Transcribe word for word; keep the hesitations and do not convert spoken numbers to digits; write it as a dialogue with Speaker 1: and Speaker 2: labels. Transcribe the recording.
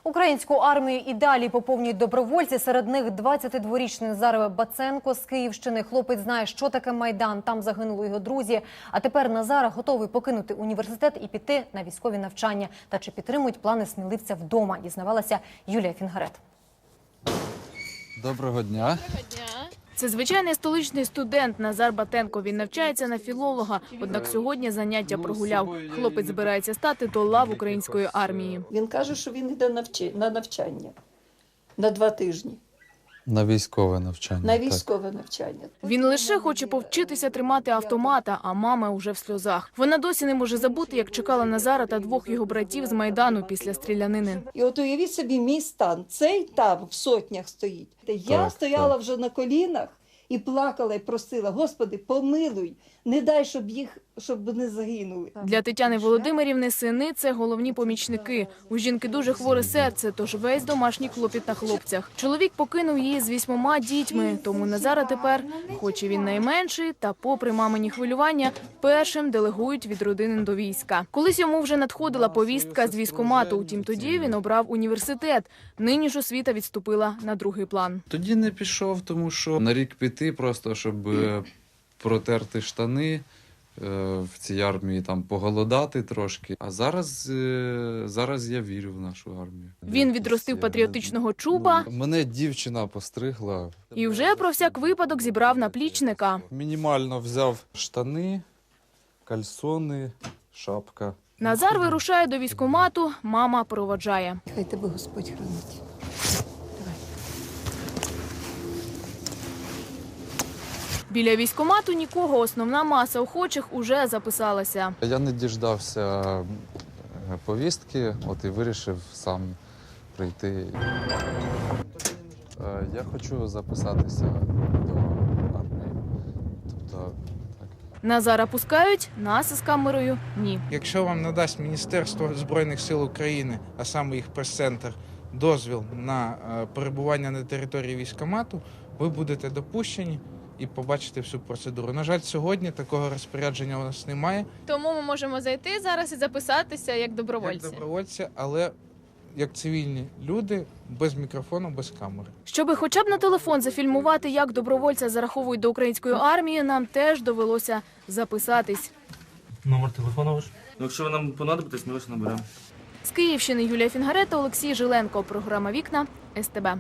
Speaker 1: Українську армію і далі поповнюють добровольці. Серед них двадцятидворічний Назар Баценко з Київщини. Хлопець знає, що таке Майдан. Там загинули його друзі. А тепер Назар готовий покинути університет і піти на військові навчання. Та чи підтримують плани сміливця вдома, дізнавалася Юлія Фінгарет.
Speaker 2: Доброго дня.
Speaker 3: Це звичайний столичний студент Назар Батенко. Він навчається на філолога, однак сьогодні заняття прогуляв. Хлопець збирається стати до лав української армії.
Speaker 4: Він каже, що він йде на навчання на два тижні.
Speaker 2: На військове навчання.
Speaker 4: На військове навчання.
Speaker 3: Він лише хоче повчитися тримати автомата, а мама уже в сльозах. Вона досі не може забути, як чекала Назара та двох його братів з Майдану після стрілянини.
Speaker 4: І от уявіть собі мій стан. Цей там в сотнях стоїть. Я
Speaker 2: Так,
Speaker 4: стояла
Speaker 2: так.
Speaker 4: вже на колінах і плакала, і просила: Господи, помилуй, не дай, щоб їх, щоб не загинули.
Speaker 3: Для Тетяни Володимирівни сини – це головні помічники. У жінки дуже хворе серце, тож весь домашній клопіт на хлопцях. Чоловік покинув її з вісьмома дітьми, тому Назара тепер, хоч і він найменший, та попри мамині хвилювання, першим делегують від родини до війська. Колись йому вже надходила повістка з військкомату, утім тоді він обрав університет. Нині ж освіта відступила на другий план.
Speaker 2: Тоді не пішов, тому що на рік піти просто, щоб е, протерти штани е, в цій армії, там поголодати трошки. А зараз, е, зараз я вірю в нашу армію.
Speaker 3: Він відростив патріотичного чуба
Speaker 2: Мене дівчина постригла.
Speaker 3: і вже про всяк випадок зібрав наплічника.
Speaker 2: Мінімально взяв штани, кальсони, шапка.
Speaker 3: Назар вирушає до військкомату, мама проводжає.
Speaker 4: Хай тебе Господь хранить.
Speaker 3: Біля військкомату нікого, основна маса охочих уже записалася.
Speaker 2: Я не діждався е, повістки, от і вирішив сам прийти. Е, Я хочу записатися до армії. Тобто, так.
Speaker 3: Назара пускають, нас із камерою – ні.
Speaker 5: Якщо вам надасть Міністерство Збройних сил України, а саме їх прес-центр, дозвіл на е, перебування на території військкомату, ви будете допущені і побачите всю процедуру. На жаль, сьогодні такого розпорядження у нас немає.
Speaker 6: Тому ми можемо зайти зараз і записатися як добровольці.
Speaker 5: Як добровольці, але як цивільні люди, без мікрофону, без камери.
Speaker 3: Щоби хоча б на телефон зафільмувати, як добровольця зараховують до української армії, нам теж довелося записатись.
Speaker 7: Номер телефону ваш?
Speaker 8: Ну, якщо ви нам понадобитесь, ми вас наберемо.
Speaker 3: З Київщини Юлія Фінгарет, Олексій Жиленко. Програма «Вікна», ес те бе.